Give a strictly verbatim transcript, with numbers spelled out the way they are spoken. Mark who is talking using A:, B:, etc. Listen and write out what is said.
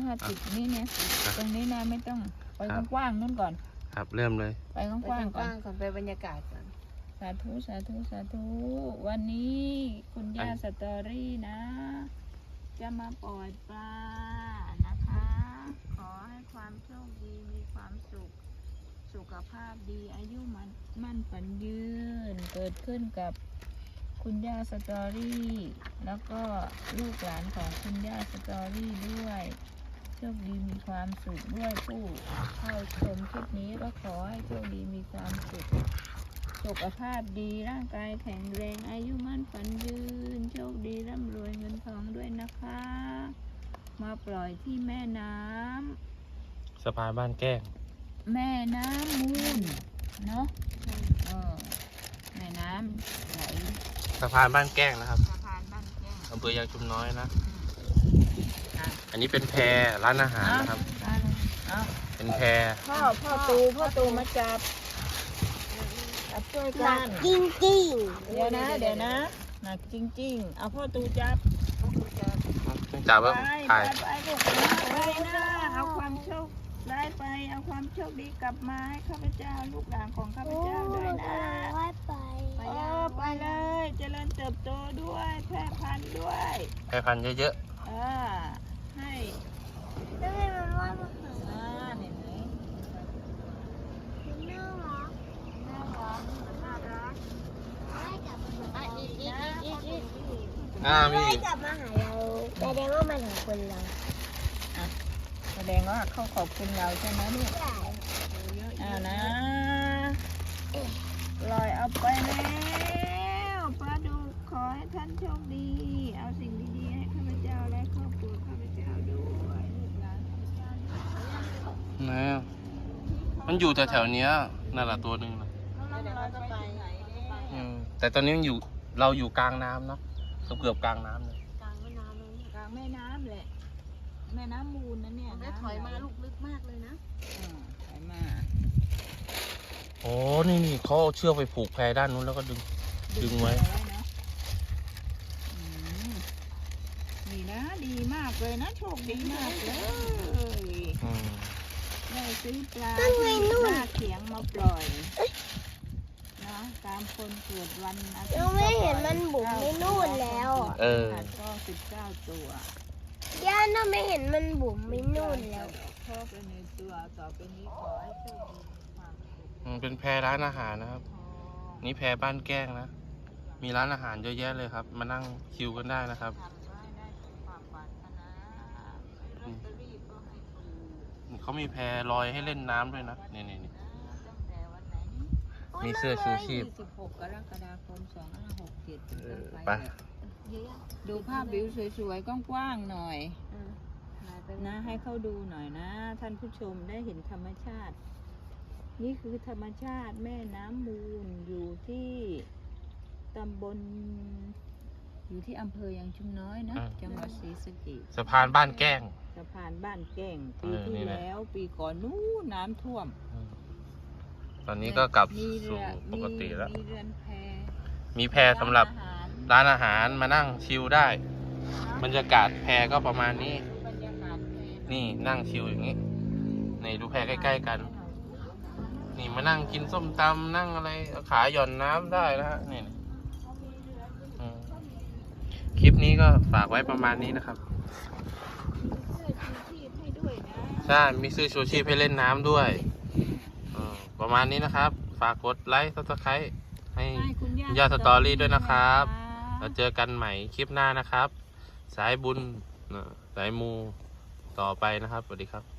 A: ห้าสิบนี่เนี่ยตรงนี้นะไม่ต้องไปกว้างๆนู่นก่อน
B: ครับเริ่มเลย
A: ไปกว้างๆก่อน
C: ก่อนไปบรรยากาศก่อน
A: สาธุสาธุสาธุวันนี้คุณย่าสตอรี่นะจะมาปล่อยปลานะคะขอให้ความโชคดีมีความสุขสุขภาพดีอายุมันมั่นฝันยืนเกิดขึ้นกับคุณย่าสตอรี่แล้วก็ลูกหลานของคุณย่าสตอรี่ด้วยโชคดีมีความสุขด้วยผู้เข้าชมคลิปนี้ก็ขอให้โชคดีมีความสุขสุขภาพดีร่างกายแข็งแรงอายุมั่นฝันยืนโชคดีร่ำรวยเงินทองด้วยนะคะมาปล่อยที่แม่น้ำ
B: สะพานบ้านแก้ง
A: แม่น้ำมูลเนาะเออแม่น้ำไหล
B: สะพานบ้านแก้งนะครับ
A: สะพานบ้านแก้ง
B: อำเภอยางชุมน้อยนะอันนี้เป็นแพร้านอาหารนะครับเป็นแพ
A: พ่อพ่อตูพ่อตูมาจับจับช่วยกัน
C: จริงจริง
A: เดี๋ยวนะเดี๋ยวนะหนักจริงๆเอาพ่อตูจับ
B: จับว่า
A: ถ่ายไปลูกไปนะเอาความโชคได้ไปเอาความโชคดีกลับมาให้ข้าพเจ้าลูกหลานของข้าพเจ้าด้วยนะ
C: ไป
A: ไปไปเลยเจริญเติบโตด้วยแพร่พันธุ์ด้วย
B: แพร่พันธุ์เยอะ
A: ๆอ่าให้
C: ได้มันว่ามาหา
A: อ่าเห็นไหม
C: น่ารัก
A: น่ารักน่ารัก
C: ได้กลับมาอีกอีกอีกอีก
B: อ่ามี
C: ได้กลับมาหาเราแสดงว่ามันของคนเรา
A: แสดงว่าเขาขอบคุณเราใช่ไหมลูกอ่านะลอยเอาไปแล้วปลาดุกขอให้ท่านโชคดีเอาสิ่งดีๆให้ข้าพเจ้าและครอบครัวข้าพเจ้าด้วยลูกหลานข้าพเจ้า
B: นะมันอยู่แถวๆนี้นั่นแหละตัวหนึ่งนะแต่ตอนนี้มันอยู่เราอยู่กลางน้ำเนาะเกือบกลางน้ำเลย
C: กลางแม่น้ำเลย
A: กลางแม่น้ำแหละแม่น้ำมูลนะเนี่ย
C: ถอยมาลูกลึกมากเลยนะ
A: ถอยมา
B: โอ้นี่นี่เขาเอาเชือกไปผูกแพด้านนู้นแล้วก็ดึงดึงไว้
A: นี่นะดีมากเลยนะโชคดีมากเลยได้ซื้อปลาที่หน้าเขียงมาปล่อยนะตามคนเกิดวันอาทิตย์
C: เราไม่เห็นมันบุ๋มไม่นู่นแล้ว
B: เออ
A: ก็สิบเก้าตัว
C: ย่าน่าไม่เห็นมันบุ๋มไม่นู่นแล้ว
A: ชอบเป็นในตัวต่อไปนี้ขอให้โชคดีความสุข
B: เป็นแพร้านอาหารนะครับนี่แพบ้านแก้งนะมีร้านอาหารเยอะแยะเลยครับมานั่งคิวกันได้นะครับเขามีแพลอยให้เล่นน้ำด้วยนะนี่นี่มีเสื้อชูชีพ
A: สิบหกกรกฎาคมสองพันห้าร้อยหกสิบเจ็ด
B: ไป
A: ดูภาพวิวสวยๆกว้างๆหน่อยนะให้เขาดูหน่อยนะท่านผู้ชมได้เห็นธรรมชาตินี่คือธรรมชาติแม่น้ำมูลอยู่ที่ตำบลอยู่ที่อำเภอยางชุมน้อยนะจังหวัดศรีสะเกษ
B: สะพานบ้านแก้ง
A: สะพานบ้านแก้งปีที่แล้วปีก่อนนู้นน้ำท่วม
B: ตอนนี้ก็กลับสู่ปกติแล้ว
A: มีเรือนแพ
B: มีแพสำหรับร้านอาหารมานั่งชิลได้บรรยากาศแพก็ประมาณนี้นี่นั่งชิลอย่างนี้นี่ดูแพใกล้ๆกันนี่มานั่งกินส้มตำนั่งอะไรขาหย่อนน้ำได้นะฮะนี่คลิปนี้ก็ฝากไว้ประมาณนี้นะครับใช่มีซื้อชูชีพให้เล่นน้ำด้วยประมาณนี้นะครับฝากกดไลค์ซับสไครต์ให้ย่าสตอรี่ด้วยนะครับแล้วเจอกันใหม่คลิปหน้านะครับสายบุญสายมูต่อไปนะครับสวัสดีครับ